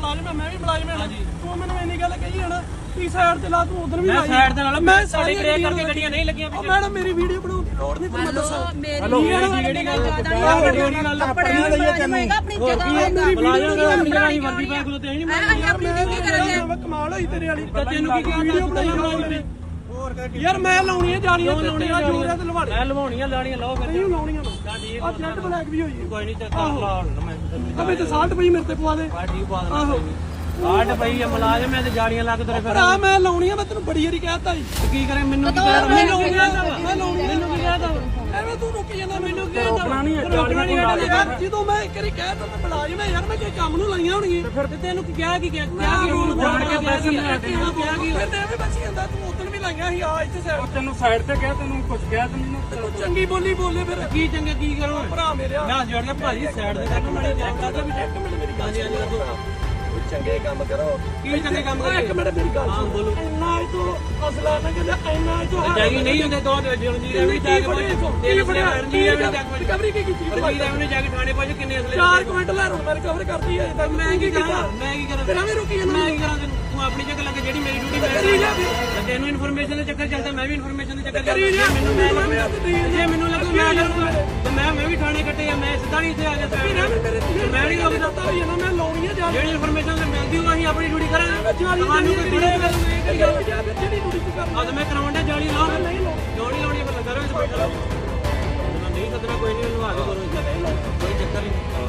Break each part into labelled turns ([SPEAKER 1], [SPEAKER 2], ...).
[SPEAKER 1] ਮੁਲਾਜ਼ਮ ਮੈਂ ਵੀ ਮੁਲਾਜ਼ਮ ਹਾਂ ਤੂੰ ਮੈਨੂੰ ਇੰਨੀ ਗੱਲ ਕਹੀ ਹੈ ਨਾ ਕਿ ਸਾਈਡ ਤੇ ਲਾ ਤੂੰ ਉਧਰ ਵੀ ਲਾਈ
[SPEAKER 2] ਸਾਈਡ ਤੇ ਲਾ ਮੈਂ ਸਾਡੇ ਬ੍ਰੇਕ ਕਰਕੇ ਗੱਡੀਆਂ ਨਹੀਂ ਲੱਗੀਆਂ
[SPEAKER 1] ਮੈਡਮ ਮੇਰੀ ਵੀਡੀਓ ਬਣਾਉਣ ਦੀ ਲੋੜ ਨਹੀਂ ਤੁਹਾਨੂੰ ਦੱਸਾਂ
[SPEAKER 3] ਹੈਲੋ
[SPEAKER 2] ਜਿਹੜੀ ਗੱਲ
[SPEAKER 3] ਆਪਣੀ ਲਈਏ ਤੈਨੂੰ
[SPEAKER 1] ਆਪਣੀ ਜਗ੍ਹਾ
[SPEAKER 2] ਆਪਣੀ ਵਰਦੀ ਪਾ ਕੋਲ ਤੇ ਨਹੀਂ
[SPEAKER 3] ਆਪਣੀ ਡਿਊਟੀ ਕਰਾਂਗੇ
[SPEAKER 1] ਕਮਾਲ ਹੋਈ ਤੇਰੇ ਵਾਲੀ
[SPEAKER 2] ਤੈਨੂੰ ਕੀ ਕਿਹਾ
[SPEAKER 1] ਵੀਡੀਓ ਬਣਾਈ ਯਾਰ ਮੈਂ ਲਾਉਣੀਆਂ ਜਾਣੀਆਂ ਲਾਉਣੀਆਂ ਜੋੜਿਆ ਤੇ ਲਵਾੜੇ
[SPEAKER 2] ਮੈਂ ਲਵਾਉਣੀਆਂ ਲਾਣੀਆਂ ਲਾਓ ਫਿਰ
[SPEAKER 1] ਨਹੀਂ ਲਾਉਣੀਆਂ
[SPEAKER 2] ਠੀਕ
[SPEAKER 1] ਆ ਜੈਟ ਬਲੈਕ ਵੀ ਹੋਈ
[SPEAKER 2] ਕੋਈ ਨਹੀਂ ਚੱਕਰ ਲਾ ਮੈਂ
[SPEAKER 1] ਅਬੇ ਤੇ 60 ਪਈ ਮੇਰੇ ਤੇ ਪਵਾ ਦੇ
[SPEAKER 2] ਠੀਕ ਪਾ ਦੇਣਾ ਆਹ ਪਈ ਆ ਮੁਲਾਜ਼ਮ ਐ ਤੇ ਜਾੜੀਆਂ ਲੱਗ ਤੇਰੇ ਫਿਰ
[SPEAKER 1] ਆ ਮੈਂ ਲਾਉਣੀਆਂ ਮੈਂ ਤੈਨੂੰ ਬੜੀ ਵਾਰੀ ਕਹਿਤਾ ਜੀ
[SPEAKER 2] ਕੀ ਕਰੇ ਮੈਨੂੰ ਕੀ ਕਹਿ
[SPEAKER 1] ਮੈਂ ਲਾਉਣੀਆਂ
[SPEAKER 2] ਮੈਨੂੰ ਕੀ ਕਹਿਦਾ
[SPEAKER 1] ਐਵੇਂ ਤੂੰ ਰੁਕ ਜਾਂਦਾ ਮੈਨੂੰ ਕੀ ਰੋਕਣਾ ਨਹੀਂ ਯਾਰ ਜਦੋਂ ਮੈਂ ਇੱਕ ਵਾਰੀ ਕਹਿਤਾ ਮੈਂ ਮੁਲਾਜ਼ਮ ਯਾਰ ਮੈਂ ਕੋਈ ਕੰਮ ਨੂੰ ਲਾਈਆਂ ਹੋਣਗੀਆਂ
[SPEAKER 2] ਫਿਰ ਤੈਨੂੰ ਕੀ ਕਿਹਾ ਕੀ ਰੂਲ ਜਾਣ ਕੇ ਪੈਸੇ ਨਹੀਂ ਆਤੇ
[SPEAKER 1] ਕਿਹਾ ਕੀ ਫਿਰ ਤੇ ਐਵੇਂ ਬਚੀ ਜਾਂਦਾ ਤੂੰ ਉਦੋਂ ਵੀ ਲਾਈਆਂ ਸੀ ਆ ਇੱਥੇ ਸਾਈਡ
[SPEAKER 4] ਤੈਨੂੰ ਸਾਈਡ ਤੇ ਕਿਹਾ ਤੈਨੂੰ ਕੁਝ ਕਿਹਾ ਤੈਨੂੰ
[SPEAKER 1] ਚੰਗੀ ਬੋਲੀ ਬੋਲੇ ਫਿਰ
[SPEAKER 2] ਕੀ ਚੰਗੇ ਕੀ ਕਰੋ
[SPEAKER 1] ਭਰਾ ਮੇਰੇ
[SPEAKER 2] ਮੈਂ ਜੋੜ ਕੇ ਭਾਜੀ ਸਾਈਡ ਦੇ ਤੱਕ ਮੜੀ ਚੈੱਕ ਕਰਦਾ ਵੀ
[SPEAKER 1] ਇੱਕ ਮਿੰਟ ਮੇਰੀ ਗੱਲ ਚੰਗੇ ਕੰਮ ਕਰੋ
[SPEAKER 2] ਕੀ ਚੰਗੇ ਕੰਮ
[SPEAKER 1] ਇੱਕ ਮਿੰਟ ਮੇਰੀ ਗੱਲ
[SPEAKER 2] ਹਾਂ ਬੋਲੋ
[SPEAKER 1] ਇੰਨਾ ਤੋਂ ਅਸਲਾ ਨਾ ਕਹਿੰਦਾ ਇੰਨਾ ਤੋਂ
[SPEAKER 2] ਜਾਗੀ ਨਹੀਂ ਹੁੰਦੇ ਦੋ ਜਲਦੀ ਰੈਵਨੀ ਜਾ ਕੇ ਤੇਰੇ ਬੜੇ ਰਣਜੀਤ ਰੈਵਨੀ ਜਾ ਕੇ
[SPEAKER 1] ਰਿਕਵਰੀ ਕੀ ਕੀਤੀ
[SPEAKER 2] ਰਣਜੀਤ ਰੈਵਨੀ ਜਾ ਕੇ ਥਾਣੇ ਪਹੁੰਚ ਕਿੰਨੇ ਅਸਲੇ
[SPEAKER 1] 4 ਕੁਇੰਟਲ ਲੈ ਰੋ ਮੈਂ ਰਿਕਵਰ ਕਰਦੀ ਹੈ ਤਾਂ
[SPEAKER 2] ਮੈਂ ਕੀ ਕਰਾਂ
[SPEAKER 1] ਤੇਰਾ ਵੀ ਰੁਕੀ ਜਾਂਦਾ
[SPEAKER 2] ਮੈਂ ਕੀ ਕਰਾਂ ਤੂੰ ਆਪਣੀ ਜਗ੍ਹਾ ਲੱਗੇ ਜਿਹੜੀ ਮੇਰੀ ਡਿਊਟੀ ਮੈਂ ਕਰੀ ਜਾ ਤੈਨੂੰ ਇਨਫੋਰਮੇਸ਼ਨ ਦੇ ਚੱਕਰ ਚੱਲਦਾ ਮੈਂ ਵੀ ਇਨਫੋਰਮੇਸ਼ਨ ਦੇ ਚੱਕਰ
[SPEAKER 1] ਕਰੀ ਜਾ
[SPEAKER 2] ਜੇ ਮੈਨੂੰ ਲੱਗੂ ਮੈਂ ਕਰੂੰਗਾ ਤੇ ਮੈਂ ਵੀ ਥਾਣੇ ਕੱਟੇ ਆ ਮੈਂ ਸਿੱਧਾ ਨਹੀਂ ਇੱਥੇ ਆ ਗਿਆ ਮੈਂ ਨਹੀਂ
[SPEAKER 1] ਲੱਗਦਾ ਹੋਈ ਨਾ ਮੈਂ ਲਾਉਣੀ ਆ ਜਾ
[SPEAKER 2] ਜਿਹੜੀ ਇਨਫੋਰਮੇਸ਼ਨ ਮਿਲਦੀ ਉਹ ਅਸੀਂ ਆਪਣੀ ਡਿਊਟੀ ਕਰਾਂਗੇ
[SPEAKER 1] ਤੁਹਾਨੂੰ ਕੋਈ ਥੋੜੇ ਜਿਹੜੀ ਡਿਊਟੀ ਕਰਨਾ
[SPEAKER 2] ਅੱਜ ਮੈਂ ਕਰਾਉਣ ਦਾ ਜਾਲੀ ਲਾ ਜੋੜੀ ਲਾਉਣੀ ਫਿਰ ਲੱਗਾ ਰਹੇ ਬੈਠਾ ਨਹੀਂ ਸਦਨਾ ਕੋਈ ਨਹੀਂ ਲਵਾ ਕੇ ਕਰੋ ਕੋਈ ਚੱਕਰ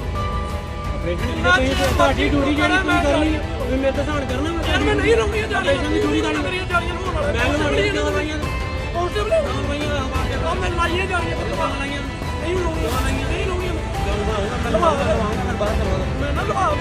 [SPEAKER 2] ਨਹੀਂ ਤੁਹਾਡੀ ਡਿਊਟੀ ਜਿਹੜੀ ਤੁਸੀਂ ਕਰਨੀ ਹੈ ਉਹ ਮੇਰੇ ਤੇ ਧਾਨ ਕਰਨਾ
[SPEAKER 1] ਮੈਂ ਨਹੀਂ ਲਾਉਣੀ ਜਾਲੀ
[SPEAKER 2] ਦੀ ਡਿਊਟੀ ਦਾ
[SPEAKER 1] ਮੇਰੀਆਂ ਜਾਲੀਆਂ ਨੂੰ ਹੋਣਾ
[SPEAKER 2] ਮੈਂ ਲਵਾਉਣੀ ਕਿਉਂ ਲਾਈਆਂ
[SPEAKER 1] ਕਾਂਸਟੇਬਲ ਆ ਮੈਂ ਲਾਈਆਂ ਜਾਲੀਆਂ
[SPEAKER 2] ਲਾਈਆਂ
[SPEAKER 1] ਨਹੀਂ ਲਾਉਣੀਆਂ ਨਹੀਂ ਲਾਉਣੀਆਂ
[SPEAKER 2] ਮੈਂ ਲਵਾਉਂਗਾ ਬਾਹਰ ਕਰਵਾ
[SPEAKER 1] ਮੈਂ ਨਾ ਲਵਾ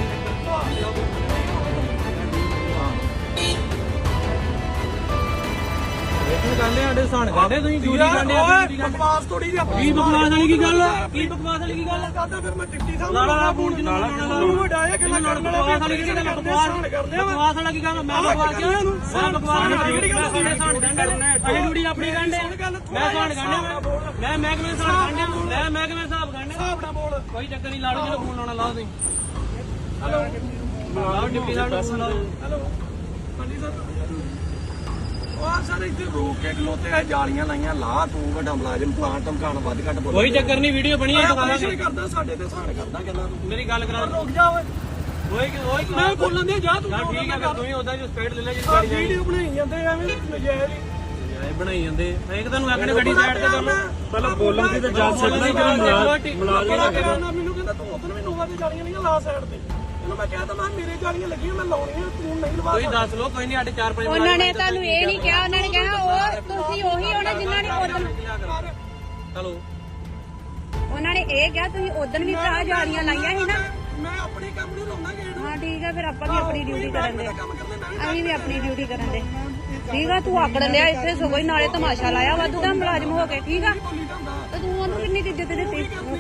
[SPEAKER 2] ਗਾਂਡੇ ਸਾਡੇ ਸਾਨ ਗਾਂਡੇ ਤੁਸੀਂ ਡਿਊਟੀ ਗਾਂਡੇ
[SPEAKER 1] ਬਕਵਾਸ ਥੋੜੀ ਜਿਹੀ
[SPEAKER 2] ਕੀ ਬਕਵਾਸ ਵਾਲੀ ਕੀ ਗੱਲ ਕੀ ਬਕਵਾਸ ਵਾਲੀ ਕੀ ਗੱਲ
[SPEAKER 1] ਕਰਦਾ ਫਿਰ ਮੈਂ ਡਿਪਟੀ ਸਾਹਿਬ
[SPEAKER 2] ਲਾਲਾ ਫੋਨ ਚ ਲਾਲਾ
[SPEAKER 1] ਤੂੰ ਵਡਾਇਆ ਕਿ ਮੈਂ ਕਰਨ
[SPEAKER 2] ਬਕਵਾਸ ਵਾਲੀ ਕੀ ਗੱਲ ਬਕਵਾਸ ਵਾਲਾ ਕੀ ਗੱਲ ਮੈਂ ਬਕਵਾਸ ਕਿਉਂ ਮੈਂ ਬਕਵਾਸ ਕਿਹੜੀ ਗੱਲ ਸਾਨ ਗਾਂਡੇ ਅਸੀਂ ਡਿਊਟੀ ਆਪਣੀ ਗਾਂਡੇ ਮੈਂ ਸਾਨ ਗਾਂਡੇ ਮੈਂ ਮਹਿਕਮੇ ਸਾਨ ਗਾਂਡੇ ਮੈਂ ਮਹਿਕਮੇ ਸਾਹਿਬ ਗਾਂਡੇ
[SPEAKER 1] ਹਿਸਾਬ ਨਾਲ ਬੋਲ
[SPEAKER 2] ਕੋਈ ਚੱਕਰ ਨਹੀਂ ਲਾੜੂ ਜਿਹੜਾ ਫੋਨ ਲਾਉਣਾ ਲਾ ਤੁਸੀਂ ਹੈਲੋ ਲਾਓ ਡਿਪਟੀ ਸਾਹਿਬ ਨੂੰ ਫੋਨ ਲਾਓ
[SPEAKER 1] ਹੈਲੋ ਹਾਂਜੀ ਸਰ ਉਹ ਸਰ ਇੱਥੇ ਰੋਕ ਕੇ ਖਲੋਤੇ ਆ ਜਾਲੀਆਂ ਲਾਈਆਂ ਲਾ ਤੂੰ ਵੱਡਾ ਮੁਲਾਜ਼ਮ ਪਲਾਂਟ ਧਮਕਾਣ ਵੱਧ ਘੱਟ ਬੋਲ
[SPEAKER 2] ਕੋਈ ਚੱਕਰ ਨਹੀਂ ਵੀਡੀਓ ਬਣੀ ਹੈ ਦੁਕਾਨਾਂ
[SPEAKER 1] ਤੇ ਕਰਦਾ ਸਾਡੇ ਤੇ ਸਾਨ ਕਰਦਾ ਗੱਲਾਂ ਤੂੰ
[SPEAKER 2] ਮੇਰੀ ਗੱਲ ਕਰਾ
[SPEAKER 1] ਰੁਕ ਜਾ ਓਏ
[SPEAKER 2] ਓਏ
[SPEAKER 1] ਮੈਂ ਬੋਲਣ ਦੇ ਜਾ ਤੂੰ
[SPEAKER 2] ਠੀਕ ਹੈ ਤੂੰ ਹੀ ਉਹਦਾ ਜੋ ਸਪੀਡ ਲੈ ਲੈ ਜਿਸ ਗਾੜੀ
[SPEAKER 1] ਵੀਡੀਓ ਬਣਾਈ ਜਾਂਦੇ ਐਵੇਂ ਨਜਾਇਜ਼ ਹੀ
[SPEAKER 2] ਬਣਾਈ ਜਾਂਦੇ ਮੈਂ ਇੱਕ ਤੁਹਾਨੂੰ ਆਖਣੇ ਗੱਡੀ ਸਾਈਡ ਤੇ ਕਰ ਲਓ
[SPEAKER 4] ਪਹਿਲਾਂ ਬੋਲਣ ਦੀ ਤਾਂ ਜਾ ਸਕਦਾ ਕਿ
[SPEAKER 1] ਮੁਲਾਜ਼ਮ ਮੈਨੂੰ ਕਹਿੰਦਾ ਤੂੰ ਉਧਰ ਵੀ ਨੋਵਾ ਤੇ ਜਾਲੀਆਂ ਨਹੀਂ ਲਾ ਸਾਈਡ ਤੇ ਇਹਨੂੰ ਮੈਂ ਕਹਿੰਦਾ ਮੈਂ ਮੇਰੇ ਜਾਲੀਆਂ ਲੱਗੀਆਂ ਮੈਂ ਲਾਉਣੀਆਂ ਤੂੰ ਨਹੀਂ ਲਵਾ
[SPEAKER 2] ਕੋਈ ਦੱਸ ਲਓ ਕੋਈ ਨਹੀਂ ਸਾਡੇ 4-5
[SPEAKER 3] ਉਹਨਾਂ ਨੇ ਤੁਹਾਨੂੰ ਇਹ ਨਹੀਂ ਕਿਹਾ ਉਹਨਾਂ ਨੇ ਕਿਹਾ ਉਹ ਤੁਸੀਂ ਉਹੀ ਹੋਣਾ ਜਿਨ੍ਹਾਂ ਨੇ ਉਦੋਂ
[SPEAKER 2] ਚਲੋ
[SPEAKER 3] ਉਹਨਾਂ ਨੇ ਇਹ ਕਿਹਾ ਤੁਸੀਂ ਉਦੋਂ ਵੀ ਭਰਾ ਜਾਲੀਆਂ ਲਾਈਆਂ ਸੀ ਨਾ
[SPEAKER 1] ਮੈਂ ਆਪਣੇ ਕੰਮ ਨੂੰ ਲਾਉਣਾ ਗੇੜ
[SPEAKER 3] ਹਾਂ ਠੀਕ ਆ ਫਿਰ ਆਪਾਂ ਵੀ ਆਪਣੀ ਡਿਊਟੀ ਕਰਨ ਦੇ
[SPEAKER 1] ਕੰਮ ਕਰਨੇ ਮੈਂ
[SPEAKER 3] ਅਸੀਂ ਵੀ ਆਪਣੀ ਡਿਊਟੀ ਕਰਨ ਦੇ ਠੀਕ ਆ ਤੂੰ ਆਕੜ ਲਿਆ ਇੱਥੇ ਸਗੋਂ ਹੀ ਨਾਲੇ ਤਮਾਸ਼ਾ ਲਾਇਆ ਵਾਧੂ ਦਾ ਮੁਲਾਜ਼ਮ ਹੋ ਕੇ ਠੀਕ ਆ ਤੇ ਤੂੰ ਉਹਨੂੰ ਕਿੰਨੀ ਕੁ ਇੱਜ਼ਤ ਦਿੱਤੀ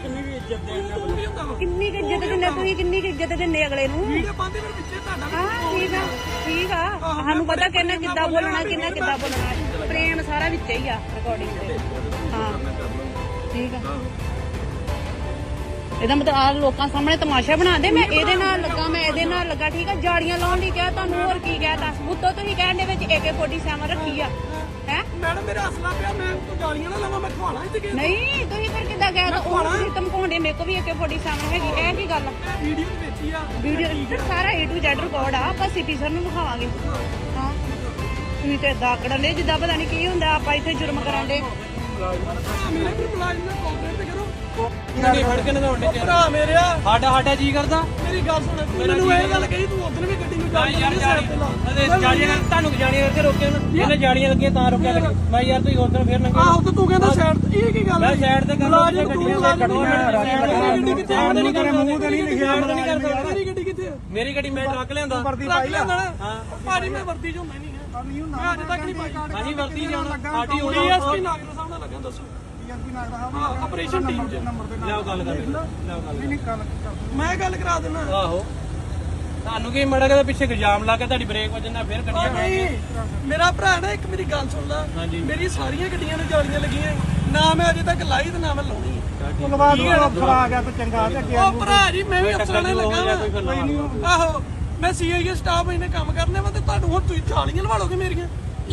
[SPEAKER 3] ਕਿੰਨੀ ਕੁ ਇੱਜ਼ਤ ਦਿੰਦੇ ਤੁਸੀਂ ਕਿੰਨੀ ਕੁ ਇੱਜ਼ਤ ਦਿੰਦੇ ਅਗਲੇ ਨੂੰ
[SPEAKER 1] ਵੀਡੀਓ ਪਾਉਂਦੇ ਫਿਰ ਵਿੱਚੇ ਤੁਹਾਡਾ
[SPEAKER 3] ਹਾਂ ਠੀਕ ਆ ਸਾਨੂੰ ਪਤਾ ਕਿੰਨਾ ਕਿੱਦਾਂ ਬੋਲਣਾ ਕਿੰਨਾ ਕਿੱਦਾਂ ਬੋਲਣਾ ਪ੍ਰੇਮ ਸਾਰਾ ਵਿੱਚ ਹੀ ਆ ਰਿਕਾਰਡਿੰਗ ਤੇ ਹਾਂ ਠੀਕ ਆ ਇਹਦਾ ਮਤਲਬ ਆ ਲੋਕਾਂ ਸਾਹਮਣੇ ਤਮਾਸ਼ਾ ਬਣਾ ਦੇ ਮੈਂ ਇਹਦੇ ਨਾਲ ਲੱਗਾ ਮੈਂ ਇਹਦੇ ਨਾਲ ਲੱਗਾ ਠੀਕ ਆ ਜਾੜੀਆਂ ਲਾਉਣ ਲਈ ਕਿਹਾ ਤੁਹਾਨੂੰ ਹੋਰ ਕੀ ਕਹਿਤਾ ਉੱਤੋਂ ਤੁਸੀਂ ਕਹਿਣ ਦੇ ਵਿੱਚ AK-47 ਰੱਖੀ ਆ ਹੈ
[SPEAKER 1] ਮੈਡਮ ਮੇਰਾ ਅਸਲਾ ਪਿਆ ਮੈਂ ਤੂੰ ਗਾਲੀਆਂ ਨਾ ਲਾਵਾਂ ਮੈਂ ਖਵਾਣਾ ਇੱਥੇ ਕਿ
[SPEAKER 3] ਨਹੀਂ ਤੁਸੀਂ ਫਿਰ ਕਿੱਦਾਂ ਕਹਿ ਤਾ ਉਹ ਤੁਸੀਂ ਧਮਕਾਉਂਦੇ ਮੇਰੇ ਕੋਲ ਵੀ AK-47 ਹੈਗੀ ਇਹ ਕੀ ਗੱਲ
[SPEAKER 1] ਵੀਡੀਓ ਦੇ ਵਿੱਚ ਹੀ ਆ
[SPEAKER 3] ਵੀਡੀਓ ਸਾਰਾ A to Z ਰਿਕਾਰਡ ਆ ਆਪਾਂ ਸਿਟੀ ਸਰ ਨੂੰ ਵਿਖਾਵਾਂਗੇ ਹਾਂ ਤੁਸੀਂ ਤੇ ਏਦਾਂ ਆਕੜਨ ਦੇ ਜਿੱਦਾਂ ਪਤਾ ਨਹੀਂ ਕੀ ਹੁੰਦਾ ਆਪਾਂ ਇੱਥੇ ਜੁਰਮ ਕਰਾਂ ਦੇ
[SPEAKER 1] ਮੇਰੇ ਵੀ ਮੁਲਾਜ਼ਮ ਨਾਲ ਕੋਆਪਰੇਟ ਕਰੋ
[SPEAKER 2] ਨਹੀਂ ਫੜ ਕੇ ਨਾ ਹੁੰਦੇ
[SPEAKER 1] ਭਰਾ ਮੇਰਿਆ
[SPEAKER 2] ਸਾਡਾ ਜੀ ਕਰਦਾ
[SPEAKER 1] ਮੇਰੀ ਗੱਲ ਸੁਣ ਮੈਨੂੰ ਇਹ ਗੱਲ ਕਹੀ ਤੂੰ ਉਧਰ ਵੀ ਗੱਡੀ ਨੂੰ
[SPEAKER 2] ਯਾਰ ਜਾਲੀਆਂ ਤੁਹਾਨੂੰ ਜਾਲੀਆਂ ਕਰਕੇ ਰੋਕਿਆ ਨਾ ਇਹਨੇ ਜਾਲੀਆਂ ਲੱਗੀਆਂ ਤਾਂ ਰੋਕਿਆ ਲੱਗੇ ਮੈਂ ਯਾਰ ਤੁਸੀਂ ਉਧਰ ਫੇਰ ਨੰਗੇ
[SPEAKER 1] ਆਹੋ ਤੇ ਤੂੰ ਕਹਿੰਦਾ ਸਾਈਡ ਇਹ ਕੀ ਗੱਲ
[SPEAKER 2] ਮੈਂ ਸਾਈਡ ਤੇ ਕਰ ਲਓ ਗੱਡੀਆਂ ਦੇ ਕੱਢੋ
[SPEAKER 1] ਗੱਡੀ ਕਿੱਥੇ ਆ
[SPEAKER 4] ਨਹੀਂ ਕਰੇ ਮੂੰਹ ਤੇ ਨਹੀਂ ਲਿਖਿਆ
[SPEAKER 1] ਮੇਰੀ ਗੱਡੀ ਕਿੱਥੇ ਆ
[SPEAKER 2] ਮੇਰੀ ਗੱਡੀ ਮੈਂ ਟਰੱਕ ਲਿਆਂਦਾ
[SPEAKER 4] ਵਰਦੀ ਪਾਈ ਆ
[SPEAKER 1] ਹਾਂ ਭਾਜੀ ਮੈਂ ਵਰਦੀ ਜੋ ਮੈਂ ਨਹੀਂ ਹੈ ਮੈਂ ਅੱਜ ਤੱਕ ਨਹੀਂ ਪਾਈ
[SPEAKER 2] ਹਾਂਜੀ ਵਰਦੀ ਜਾਣਾ ਸਾਡੀ ਹੋਣੀ
[SPEAKER 1] ਡੀਐਸਪੀ ਨਾਗਰ ਸਾਹਿਬ ਨਾਲ ਲੱਗਾ ਦੱਸੋ ਹਾਂ ਆਪਰੇਸ਼ਨ ਟੀਮ ਚ
[SPEAKER 2] ਲਿਆਓ ਗੱਲ ਕਰ ਲਿਆਓ ਗੱਲ
[SPEAKER 1] ਮੈਂ ਗੱਲ ਕਰਾ ਦਿੰਦਾ
[SPEAKER 2] ਆਹੋ ਤੁਹਾਨੂੰ ਕੀ ਮੜਾ ਕੇ ਪਿੱਛੇ ਇਲਜ਼ਾਮ ਲਾ ਕੇ ਤੁਹਾਡੀ ਬ੍ਰੇਕ ਵੱਜਣਾ ਫਿਰ ਗੱਡੀਆਂ
[SPEAKER 1] ਨਹੀਂ ਮੇਰਾ ਭਰਾ ਨਾ ਇੱਕ ਮੇਰੀ ਗੱਲ ਸੁਣ ਲਾ ਮੇਰੀ ਸਾਰੀਆਂ ਗੱਡੀਆਂ ਨੂੰ ਜਾਲੀਆਂ ਲੱਗੀਆਂ ਨਾ ਮੈਂ ਅਜੇ ਤੱਕ ਲਾਈ ਤੇ ਨਾ ਮੈਂ ਲਾਉਣੀ
[SPEAKER 4] ਧੰਨਵਾਦ ਅਫਸਰ ਆ ਗਿਆ ਤਾਂ ਚੰਗਾ ਤੇ ਅੱਗੇ
[SPEAKER 1] ਉਹ ਭਰਾ ਜੀ ਮੈਂ ਵੀ ਅਫਸਰਾਂ ਨਾਲ ਲੱਗਾ ਆਹੋ ਮੈਂ ਸੀਆਈਏ ਸਟਾਫ ਇਹਨੇ ਕੰਮ ਕਰਨੇ ਵਾ ਤੇ ਤੁਹਾਨੂੰ ਹੁਣ ਤੁਸੀਂ ਜਾਲੀਆਂ ਲਵਾ ਲੋਗੇ ਮੇਰੀਆਂ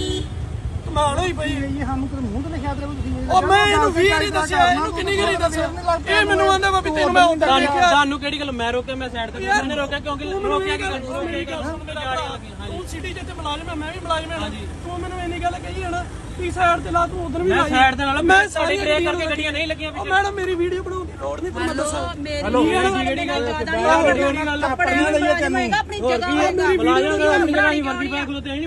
[SPEAKER 1] ਕਮਾਲ ਹੋਈ ਪਈ
[SPEAKER 4] ਇਹ ਸਾਨੂੰ ਕਿਤੇ ਮੂੰਹ ਤੇ ਲਿਖਿਆ ਤੇ ਤੁਸੀਂ
[SPEAKER 1] ਉਹ ਮੈਂ ਇਹਨੂੰ 20 ਵਾਰੀ ਦੱਸਿਆ ਇਹਨੂੰ ਕਿੰਨੀ ਵਾਰੀ ਦੱਸਿਆ ਇਹ ਮੈਨੂੰ ਆਂਦਾ ਵਾ ਵੀ ਤੈਨੂੰ ਮੈਂ ਹੁੰਦਾ ਦੇਖਿਆ
[SPEAKER 2] ਤੁਹਾਨੂੰ ਕਿਹੜੀ ਗੱਲ ਮੈਂ ਰੋਕਿਆ ਮੈਂ ਸਾਈਡ ਤੇ ਮੈਨੇ ਰੋਕਿਆ ਕਿਉਂਕਿ ਰੋਕਿਆ ਕੀ ਗੱਲ
[SPEAKER 1] ਤੂੰ ਸਿਟੀ ਜਿੱਥੇ ਮੁਲਾਜ਼ਮ ਹੈ ਮੈਂ ਵੀ ਮੁਲਾਜ਼ਮ ਹਾਂ ਤੂੰ ਮੈਨੂੰ ਇੰਨੀ ਗੱਲ ਕਹੀ ਹੈ ਨਾ ਵੀ ਸਾਈਡ ਤੇ ਲਾ ਤੂੰ ਉਧਰ ਵੀ
[SPEAKER 2] ਮੈਂ ਸਾਈਡ ਤੇ ਨਾਲ ਮੈਂ ਸਾਡੀ ਬ੍ਰੇਕ ਕਰਕੇ ਗੱਡੀਆਂ ਨਹੀਂ ਲੱਗੀਆਂ
[SPEAKER 1] ਉਹ ਮੈਡਮ ਮੇਰੀ ਵੀਡੀਓ ਬਣਾਉਣ ਦੀ ਲੋੜ ਨਹੀਂ ਤੁਹਾਨੂੰ ਦੱਸਾਂ
[SPEAKER 2] ਹੈਲੋ ਕਿਹੜੀ ਗੱਲ ਕਿਹੜੀ ਗੱਲ
[SPEAKER 3] ਆਪਣੀ ਜਗ੍ਹਾ
[SPEAKER 2] ਮੁਲਾਜ਼ਮ ਦਾ ਆਪਣੀ ਜਗ੍ਹਾ ਹੀ ਵਰਦੀ ਪਾ ਖਲੋਤੇ ਨਹੀਂ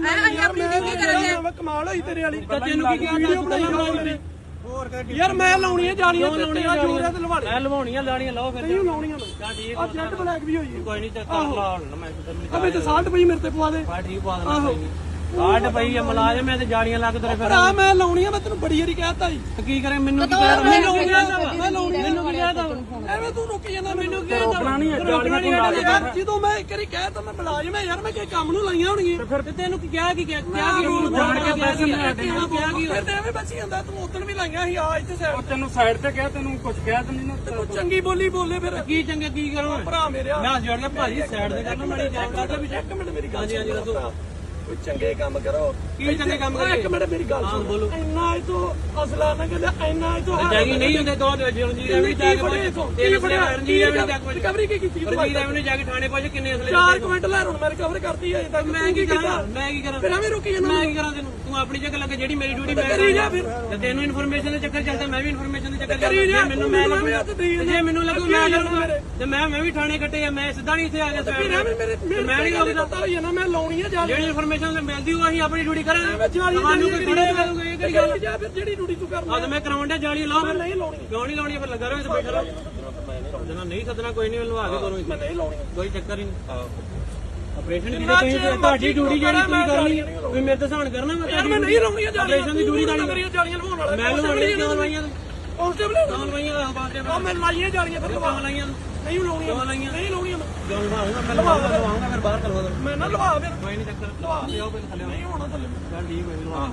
[SPEAKER 1] ਮੈਂ ਕਮਾਲ ਹੋਈ ਤੇਰੇ ਵਾਲੀ
[SPEAKER 2] ਤੈਨੂੰ ਕੀ ਕਿਹਾ
[SPEAKER 1] ਵੀਡੀਓ ਬਣਾਈ ਮੇਰੀ ਯਾਰ ਮੈਂ ਲਾਉਣੀ ਹੈ ਜਾਲੀਆਂ ਤੇ ਤੇਰਾ ਜੋਰ ਹੈ ਤੇ ਲਵਾ ਲੈ
[SPEAKER 2] ਮੈਂ ਲਵਾਉਣੀਆਂ ਲਾਣੀਆਂ ਲਾਓ ਫਿਰ
[SPEAKER 1] ਨਹੀਂ ਲਾਉਣੀਆਂ ਮੈਂ
[SPEAKER 2] ਚੱਲ ਠੀਕ
[SPEAKER 1] ਆ ਜੈਟ ਬਲੈਕ ਵੀ ਹੋਈ ਹੈ
[SPEAKER 2] ਕੋਈ ਨਹੀਂ ਚੱਕਰ ਲਾ ਹੁਣ ਮੈਂ
[SPEAKER 1] ਅਬੇ ਤੇ 60 ਪਈ ਮੇਰੇ ਤੇ ਪਵਾ ਦੇ
[SPEAKER 2] ਬਾ ਠੀਕ ਪਾ ਦੇਣਾ ਕੋਈ ਨਹੀਂ ਕਾਟ ਪਈ ਆ ਮੁਲਾਜ਼ਮ ਐ ਤੇ ਜਾੜੀਆਂ ਲੱਗ ਤੇਰੇ ਫਿਰ
[SPEAKER 1] ਆ ਮੈਂ ਲਾਉਣੀ ਆ ਮੈਂ ਤੈਨੂੰ ਬੜੀ ਵਾਰੀ ਕਹਿਤਾ ਜੀ
[SPEAKER 2] ਕੀ ਕਰੇ ਮੈਨੂੰ ਕੀ ਕਹਿ
[SPEAKER 1] ਮੈਨੂੰ ਕੀ ਕਹਿਤਾ ਮੈਂ ਲਾਉਣੀ
[SPEAKER 2] ਮੈਨੂੰ ਕੀ ਕਹਿਦਾ
[SPEAKER 1] ਐਵੇਂ ਤੂੰ ਰੁਕੀ ਜਾਂਦਾ ਮੈਨੂੰ ਕੀ
[SPEAKER 2] ਰੋਕਣਾ ਨਹੀਂ
[SPEAKER 1] ਯਾਰ ਜਦੋਂ ਮੈਂ ਇੱਕ ਵਾਰੀ ਕਹਿਤਾ ਮੈਂ ਮੁਲਾਜ਼ਮ ਹੈ ਯਾਰ ਮੈਂ ਕਿ ਕੰਮ ਨੂੰ ਲਾਈਆਂ ਹੋਣਗੀਆਂ
[SPEAKER 2] ਫਿਰ ਤੈਨੂੰ ਕੀ ਕਿਹਾ ਕੀ ਜਾਣ ਕੇ ਪੈਸੇ ਕਿਹਾ ਕੀ
[SPEAKER 1] ਫਿਰ ਤੇ ਐਵੇਂ ਬਚੀ ਜਾਂਦਾ ਤੂੰ ਉਦੋਂ ਵੀ ਲਾਈਆਂ ਸੀ ਆ ਇੱਥੇ ਸਾਈਡ
[SPEAKER 4] ਤੈਨੂੰ ਸਾਈਡ ਤੇ ਕਿਹਾ ਤੈਨੂੰ ਕੁਝ ਕਿਹਾ ਤੇ ਨਹੀਂ ਨਾ
[SPEAKER 1] ਤੂੰ ਚੰਗੀ ਬੋਲੀ ਬੋਲੇ ਫਿਰ
[SPEAKER 2] ਕੀ ਚੰਗੇ ਕੀ ਕਰੋ
[SPEAKER 1] ਭਰਾ ਮੇਰਿਆ
[SPEAKER 2] ਮੈਂ ਜੋੜ ਕੇ ਭਾਜੀ ਸਾਈਡ ਤੇ ਕਰਨਾ ਮਾੜੀ ਜਾਣ ਕਰਦਾ ਵੀ
[SPEAKER 1] ਇੱਕ ਮਿੰਟ ਮੇਰੀ ਗੱਲ ਹਾਂਜੀ ਦੱਸੋ ਕੋਈ ਚੰਗੇ ਕੰਮ ਕਰੋ
[SPEAKER 2] ਕੀ ਚੰਗੇ ਕੰਮ ਕਰੀਏ
[SPEAKER 1] ਇੱਕ ਮਿੰਟ ਮੇਰੀ ਗੱਲ ਸੁਣ
[SPEAKER 2] ਬੋਲੋ
[SPEAKER 1] ਇੰਨਾ ਇਹ ਤੋਂ ਅਸਲਾ ਨਾ ਕਹਿੰਦਾ ਇੰਨਾ ਇਹ ਤੋਂ
[SPEAKER 2] ਜਾਗੀ ਨਹੀਂ ਹੁੰਦੇ ਦੋ ਰਣਜੀਤ ਐਵੇਂ ਜਾ ਕੇ ਤੇਰੇ ਫੜਿਆ ਰਣਜੀਤ ਐਵੇਂ ਜਾ ਕੇ
[SPEAKER 1] ਰਿਕਵਰੀ ਕੀ ਕੀਤੀ
[SPEAKER 2] ਰਣਜੀਤ ਐਵੇਂ ਜਾ ਕੇ ਥਾਣੇ ਪਹੁੰਚ ਕਿੰਨੇ ਅਸਲੇ
[SPEAKER 1] 4 ਕੁਇੰਟਲ ਲੈ ਹੁਣ ਮੈਂ ਰਿਕਵਰ ਕਰਤੀ ਅਜੇ ਤੱਕ
[SPEAKER 2] ਮੈਂ ਕੀ ਕਰਾਂ ਮੈਂ ਕੀ ਕਰਾਂ
[SPEAKER 1] ਫਿਰ ਐਵੇਂ ਰੁਕੀ ਜਾਂਦਾ
[SPEAKER 2] ਮੈਂ ਕੀ ਕਰਾਂ ਤੈਨੂੰ ਤੂੰ ਆਪਣੀ ਜਗ੍ਹਾ ਲੱਗੇ ਜਿਹੜੀ ਮੇਰੀ ਡਿਊਟੀ ਮੈਂ
[SPEAKER 1] ਕਰੀ ਜਾ ਫਿਰ
[SPEAKER 2] ਤੇ ਤੈਨੂੰ ਇਨਫੋਰਮੇਸ਼ਨ ਦੇ ਚੱਕਰ ਚੱਲਦਾ ਮੈਂ ਵੀ ਇਨਫੋਰਮੇਸ਼ਨ ਦੇ ਚੱਕਰ
[SPEAKER 1] ਕਰੀ ਜਾ
[SPEAKER 2] ਮੈਨੂੰ ਮੈਂ ਜੇ ਮੈਨੂੰ ਲੱਗੂ ਮੈਂ ਕਰੂੰਗਾ ਤੇ ਮੈਂ ਵੀ ਥਾਣੇ ਕੱਟੇ ਆ ਮੈਂ ਸਿੱਧਾ ਨਹੀਂ ਇੱਥੇ ਆ ਗਿਆ ਸਾਈਡ ਮੈਂ ਨਹੀਂ ਰੋਕਦਾ
[SPEAKER 1] ਪਤਾ ਹੀ ਨਾ ਮੈਂ ਲਾਉਣੀ ਆ ਜਾ
[SPEAKER 2] ਜਿਹੜੀ ਇਨਫੋਰਮੇਸ਼ਨ ਮਿਲਦੀ ਉਹ ਅਸੀਂ ਆਪਣੀ ਡਿਊਟੀ ਕਰਾਂਗੇ
[SPEAKER 1] ਤੁਹਾਨੂੰ ਕੋਈ ਥੋੜੇ ਕਰੂਗਾ ਇਹ ਕਿਹੜੀ ਗੱਲ ਜਾ ਫਿਰ ਜਿਹੜੀ ਡਿਊਟੀ ਤੂੰ ਕਰਨਾ
[SPEAKER 2] ਆ ਤੇ ਮੈਂ ਕਰਾਉਣ ਡਿਆ ਜਾਲੀ ਲਾਓ
[SPEAKER 1] ਨਹੀਂ ਲਾਉਣੀ
[SPEAKER 2] ਕਿਉਂ ਨਹੀਂ ਲਾਉਣੀ ਫਿਰ ਲੱਗਾ ਰਹੋ ਇੱਥੇ ਬੈਠਾ ਰਹੋ ਜਦੋਂ ਨਹੀਂ ਸੱਦਣਾ ਕੋਈ ਨਹੀਂ ਮੈਨੂੰ ਆ ਕੇ ਕਰੋ
[SPEAKER 1] ਮੈਂ ਨਹੀਂ ਲਾਉਣੀ
[SPEAKER 2] ਕੋਈ ਚੱਕਰ ਹੀ ਨਹੀਂ ਆਪਰੇਸ਼ਨ ਦੀ ਤੁਸੀਂ ਤੁਹਾਡੀ ਡਿਊਟੀ ਜਿਹੜੀ ਤੁਸੀਂ ਕਰਨੀ ਤੁਸੀਂ ਮੇਰੇ ਤੇ ਸਹਾਨ ਕਰਨਾ ਮੈਂ
[SPEAKER 1] ਮੈਂ ਨਹੀਂ ਲਾਉਣੀ ਆ
[SPEAKER 2] ਆਪਰੇਸ਼ਨ ਦੀ ਡਿਊਟੀ ਤਾਂ
[SPEAKER 1] ਕਰੀਏ ਜਾਲੀਆਂ ਲਵਾਉਣ ਵਾਲਾ
[SPEAKER 2] ਮੈਂ ਲਵਾਉਣੀ ਕਿਉਂ ਲਵਾਈਆਂ
[SPEAKER 1] ਕਾਂਸਟੇਬਲ
[SPEAKER 2] ਕਿਉਂ ਲਵਾਈਆਂ ਬਾਤੇ
[SPEAKER 1] ਆ ਮੈਂ ਲਾਈਆਂ ਜਾਲੀਆਂ ਫਿਰ
[SPEAKER 2] ਕਿਉਂ ਲਾਈਆਂ
[SPEAKER 1] ਨਹੀਂ ਲਾਉਣੀਆਂ ਨਹੀਂ ਲਾਉਣੀਆਂ ਮੈਂ
[SPEAKER 2] ਕਿਉਂ ਲਵਾਉਂਗਾ ਮੈਂ ਲਵਾਉਂਗਾ ਫਿਰ ਬਾਹਰ ਕਰਵਾ ਦੋ
[SPEAKER 1] ਮੈਂ ਨਾ ਲਵਾ ਫਿਰ
[SPEAKER 2] ਕੋਈ ਨਹੀਂ ਚੱਕਰ
[SPEAKER 1] ਲਵਾ
[SPEAKER 2] ਲਿਆਓ ਪਹਿਲਾਂ ਥੱਲੇ
[SPEAKER 1] ਨਹੀਂ ਹੋਣਾ ਥੱਲੇ
[SPEAKER 2] ਚੱਲ ਠੀਕ ਹੋਈ ਲਵਾ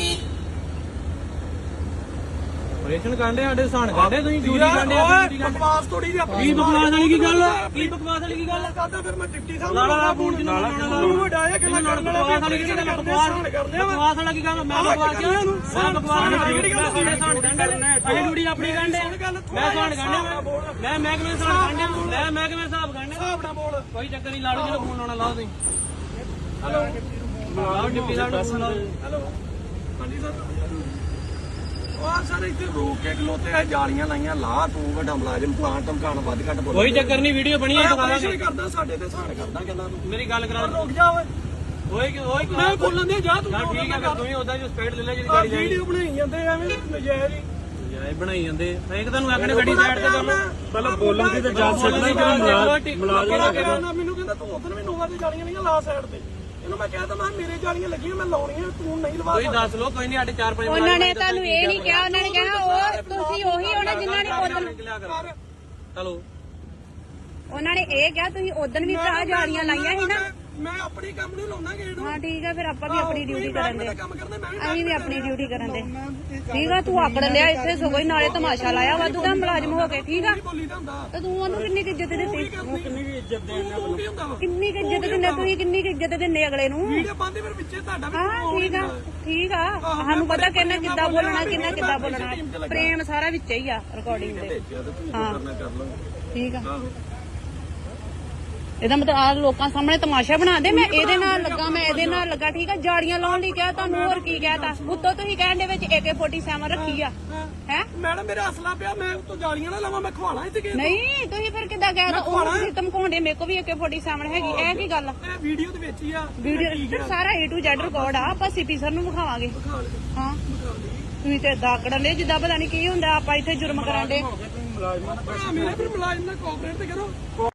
[SPEAKER 2] ਆਪਰੇਸ਼ਨ ਕਾਂਡੇ ਸਾਡੇ ਸਹਾਨ ਕਾਂਡੇ ਤੁਸੀਂ ਡਿਊਟੀ ਕਾਂਡੇ
[SPEAKER 1] ਓਏ ਬਕਵਾਸ ਥੋੜੀ ਜਿਹੀ ਆਪਣੀ
[SPEAKER 2] ਕੀ ਬਕਵਾਸ ਵਾਲੀ ਕੀ ਗੱਲ ਕੀ ਬਕਵਾਸ ਵਾਲੀ ਕੀ ਗੱਲ
[SPEAKER 1] ਕਰਦਾ ਫਿਰ ਮੈਂ ਡਿਪਟੀ ਸਾਹਿਬ
[SPEAKER 2] ਲਾਲਾ ਫੋਨ ਚ ਲਾਲਾ
[SPEAKER 1] ਤੂੰ ਵਡਾਇਆ ਕਿ ਮੈਂ ਕਰਨ ਵਾਲਾ
[SPEAKER 2] ਬਕਵਾਸ ਵਾਲੀ ਕੀ ਗੱਲ ਬਕਵਾਸ ਵਾਲਾ ਕੀ ਗੱਲ ਮੈਂ ਬਕਵਾਸ ਕਿਹਾ ਇਹਨੂੰ ਮੈਂ ਬਕਵਾਸ ਵਾਲੀ ਸਾਡੇ ਸਹਾਨ ਕਾਂਡੇ ਅਸੀਂ ਡਿਊਟੀ ਆਪਣੀ ਕਾਂਡੇ ਮੈਂ ਸਹਾਨ ਕਾਂਡੇ ਮੈਂ ਮਹਿਕਮੇ ਸਹਾਨ ਕਾਂਡੇ ਮੈਂ ਮਹਿਕਮੇ ਹਿਸਾਬ ਕਾਂਡੇ
[SPEAKER 1] ਹਿਸਾਬ ਨਾਲ ਬੋਲ
[SPEAKER 2] ਕੋਈ ਚੱਕਰ ਨਹੀਂ ਲਾੜੂ ਜਿਹਨੂੰ ਫੋਨ ਲਾਉਣਾ ਲਾਓ ਤੁਸੀਂ ਲਾਓ ਡਿਪਟੀ ਸਾਹਿਬ ਨੂੰ ਫੋਨ ਲਾਓ
[SPEAKER 1] ਹੈਲੋ ਹਾਂਜੀ ਸਰ ਉਹ ਸਰ ਇੱਥੇ ਰੋਕ ਕੇ ਖਲੋਤੇ ਆ ਜਾਲੀਆਂ ਲਾਈਆਂ ਲਾ ਤੂੰ ਵੱਡਾ ਮੁਲਾਜ਼ਮ ਪਲਾਂਟ ਧਮਕਾਣ ਵੱਧ ਘੱਟ ਬੋਲ
[SPEAKER 2] ਕੋਈ ਚੱਕਰ ਨਹੀਂ ਵੀਡੀਓ ਬਣੀ ਹੈ ਦਿਖਾ
[SPEAKER 1] ਆਪਰੇਸ਼ਨ ਕਰਦਾ ਸਾਡੇ ਤੇ ਸਹਾਨ ਕਰਦਾ ਕਹਿੰਦਾ ਤੂੰ
[SPEAKER 2] ਮੇਰੀ ਗੱਲ ਕਰਾ
[SPEAKER 1] ਰੁਕ ਜਾ ਓਏ
[SPEAKER 2] ਓਏ
[SPEAKER 1] ਮੈਂ ਬੋਲਣ ਦੇ ਜਾ ਤੂੰ
[SPEAKER 2] ਠੀਕ ਹੈ ਫਿਰ ਤੁਸੀਂ ਉਹਦਾ ਜੋ ਸਪੀਡ ਲੈ ਲੈ ਜਿਹੜੀ ਗਾੜੀ ਜਾਣੀ
[SPEAKER 1] ਵੀਡੀਓ ਬਣਾਈ ਜਾਂਦੇ ਐਵੇਂ ਨਜਾਇਜ਼ ਹੀ
[SPEAKER 2] ਇਹ ਬਣਾਈ ਜਾਂਦੇ ਇੱਕ ਤੁਹਾਨੂੰ ਆਖਣੇ ਗੱਡੀ ਸਾਈਡ ਤੇ ਕਰ ਲਓ
[SPEAKER 4] ਪਹਿਲਾਂ ਬੋਲਣ ਦੀ ਤਾਂ ਜਾਂਚ ਸਿੱਖਣਾ ਹੀ ਕਿ ਮੁਲਾਜ਼ਮ
[SPEAKER 1] ਨਾ ਮੈਨੂੰ ਕਹਿੰਦਾ ਤੂੰ ਉਧਰ ਵੀ ਨੋਵਾ ਤੇ ਜਾਲੀਆਂ ਨਹੀਂ ਲਾ ਸਾਈਡ ਤੇ ਇਹਨੂੰ ਮੈਂ ਕਹਿਤਾ ਮੈਂ ਮੇਰੇ ਜਾਲੀਆਂ ਲੱਗੀਆਂ ਮੈਂ ਲਾਉਣੀਆਂ ਤੂੰ ਨਹੀਂ ਲਵਾ
[SPEAKER 2] ਕੋਈ ਦੱਸ ਲੋ ਕੋਈ ਨਹੀਂ ਸਾਡੇ 4-5
[SPEAKER 3] ਉਹਨਾਂ ਨੇ ਤੁਹਾਨੂੰ ਇਹ ਨਹੀਂ ਕਿਹਾ ਉਹਨਾਂ ਨੇ ਕਿਹਾ ਉਹ ਤੁਸੀਂ ਉਹੀ ਹੋਣਾ ਜਿਨ੍ਹਾਂ ਨੇ ਉਦੋਂ
[SPEAKER 2] ਚਲੋ
[SPEAKER 3] ਉਹਨਾਂ ਨੇ ਇਹ ਕਿਹਾ ਤੁਸੀਂ ਉਦੋਂ ਵੀ ਭਰਾ ਜਾਲੀਆਂ ਲਾਈਆਂ ਸੀ ਨਾ
[SPEAKER 1] ਮੈਂ ਆਪਣੀ ਕੰਮ ਨੂੰ ਲਾਉਣਾ ਗੇੜ
[SPEAKER 3] ਹਾਂ ਠੀਕ ਆ ਫਿਰ ਆਪਾਂ ਵੀ ਆਪਣੀ ਡਿਊਟੀ ਕਰਨ ਦੇ
[SPEAKER 1] ਕੰਮ ਕਰਨਾ ਮੈਂ ਵੀ
[SPEAKER 3] ਅਸੀਂ ਵੀ ਆਪਣੀ ਡਿਊਟੀ ਕਰਨ ਦੇ ਠੀਕ ਆ ਤੂੰ ਆਕੜ ਲਿਆ ਇੱਥੇ ਸਗੋਂ ਹੀ ਨਾਲੇ ਤਮਾਸ਼ਾ ਲਾਇਆ ਵਾਧੂ ਦਾ ਮੁਲਾਜ਼ਮ ਹੋ ਕੇ ਠੀਕ ਆ
[SPEAKER 1] ਬੋਲੀ ਦਾ ਹੁੰਦਾ
[SPEAKER 3] ਤੇ ਤੂੰ ਉਹਨੂੰ ਕਿੰਨੀ ਕੁ ਇੱਜ਼ਤ ਦਿੱਤੀ
[SPEAKER 4] ਕਿੰਨੀ ਵੀ ਇੱਜ਼ਤ ਦੇ
[SPEAKER 1] ਤੂੰ ਕੀ ਹੁੰਦਾ ਵਾ
[SPEAKER 3] ਕਿੰਨੀ ਕੁ ਇੱਜ਼ਤ ਦਿੰਦੇ ਤੁਸੀਂ ਕਿੰਨੀ ਕੁ ਇੱਜ਼ਤ ਦਿੰਦੇ ਅਗਲੇ ਨੂੰ
[SPEAKER 1] ਵੀਡੀਓ ਪਾਉਂਦੇ ਫਿਰ ਵਿੱਚੇ ਤੁਹਾਡਾ ਵੀ
[SPEAKER 3] ਹਾਂ ਠੀਕ ਆ ਸਾਨੂੰ ਪਤਾ ਕਿੰਨਾ ਕਿੱਦਾਂ ਬੋਲਣਾ ਕਿੰਨਾ ਕਿੱਦਾਂ ਬੋਲਣਾ ਪ੍ਰੇਮ ਸਾਰਾ ਵਿੱਚ ਹੀ ਆ ਰਿਕਾਰਡਿੰਗ ਦੇ ਹਾਂ
[SPEAKER 1] ਕਰ ਲਓ
[SPEAKER 3] ਠੀਕ ਆ ਇਹਦਾ ਮਤਲਬ ਆ ਲੋਕਾਂ ਸਾਹਮਣੇ ਤਮਾਸ਼ਾ ਬਣਾ ਦੇ ਮੈਂ ਇਹਦੇ ਨਾਲ ਲੱਗਾ ਮੈਂ ਇਹਦੇ ਨਾਲ ਲੱਗਾ ਠੀਕ ਆ ਜਾੜੀਆਂ ਲਾਉਣ ਲਈ ਕਿਹਾ ਤੁਹਾਨੂੰ ਹੋਰ ਕੀ ਕਹਿਤਾ ਉੱਤੋਂ ਤੁਸੀਂ ਕਹਿਣ ਦੇ ਵਿੱਚ AK-47 ਰੱਖੀ ਆ ਹੈ
[SPEAKER 1] ਮੈਡਮ ਮੇਰਾ ਅਸਲਾ ਪਿਆ ਮੈਂ ਉੱਤੋਂ ਜਾਲੀਆਂ ਨਾ ਲਾਵਾਂ ਮੈਂ ਖਵਾਣਾ ਇੱਥੇ ਕਿ
[SPEAKER 3] ਨਹੀਂ ਤੁਸੀਂ ਫਿਰ ਕਿੱਦਾਂ ਕਹਿਤਾ ਉਹ ਤੁਸੀਂ ਧਮਕਾਉਂਦੇ ਮੇਰੇ ਕੋ ਵੀ AK-47 ਹੈਗੀ ਇਹ ਕੀ ਗੱਲ
[SPEAKER 1] ਇਹ ਵੀਡੀਓ ਦੇ ਵਿੱਚ ਹੀ ਆ
[SPEAKER 3] ਵੀਡੀਓ ਸਾਰਾ A to Z ਰਿਕਾਰਡ ਆ ਆਪਾਂ ਸੀਪੀ ਸਰ ਨੂੰ ਵਿਖਾਵਾਂਗੇ ਹਾਂ ਤੁਸੀਂ ਤੇ ਦਾਕੜਨ ਦੇ ਜਿੱਦਾਂ ਪਤਾ ਨਹੀਂ ਕੀ ਹੁੰਦਾ ਆਪਾਂ ਇੱਥੇ ਜੁਰਮ ਕਰਾਂਦੇ
[SPEAKER 1] ਭਰਾ ਮੇਰੇ ਫਿਰ ਮੁਲਾਜ਼ਮ ਨਾਲ ਕੋਆਪਰੇਟ ਤੇ ਕਰੋ